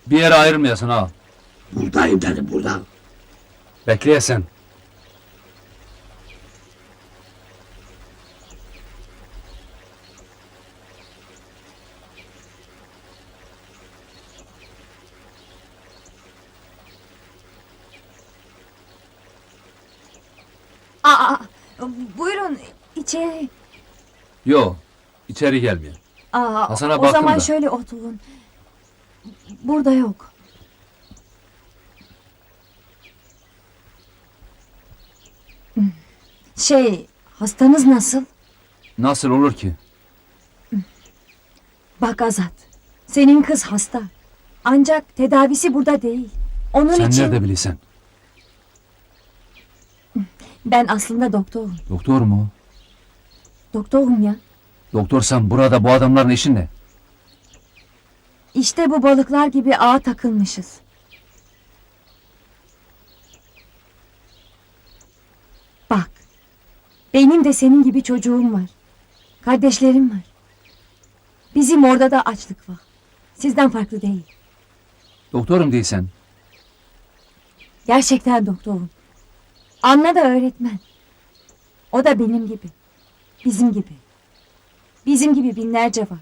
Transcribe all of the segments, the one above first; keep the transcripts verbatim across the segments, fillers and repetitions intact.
Bir yere ayrılmayasın ha. Buradayım dedim, burada. Bekleyesen. Aa, buyurun içeri. Yo, içeri gelmiyor. Aa, Hasan'a o baktım zaman da. şöyle oturun. Burada yok. Şey, hastanız nasıl? Nasıl olur ki? Bak Azat, senin kız hasta. Ancak tedavisi burada değil. Onun Sen için nerede bilirsen? ben aslında doktorum. Doktor mu? Doktorum ya. Doktorsan burada bu adamların işin ne? İşte bu balıklar gibi ağa takılmışız. Bak, benim de senin gibi çocuğum var. Kardeşlerim var. Bizim orada da açlık var. Sizden farklı değil. Doktorum değilsen. Gerçekten doktorum. Anna da öğretmen. O da benim gibi. Bizim gibi. Bizim gibi binlerce var.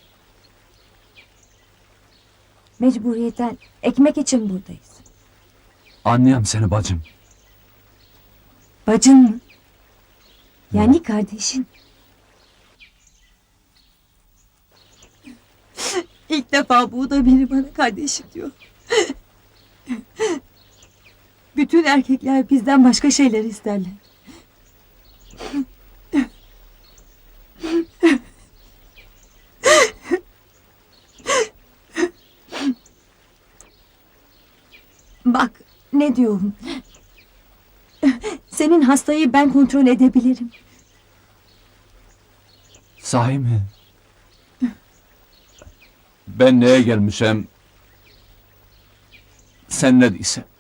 Mecburiyetten ekmek için buradayız. Anlayam seni bacım. Bacın mı? Yani kardeşin. İlk defa bu da biri bana kardeşim diyor. Bütün erkekler bizden başka şeyler isterler. Bak ne diyorum. Senin hastayı ben kontrol edebilirim. Sahi mi? Ben neye gelmişem? Sen ne değilsen.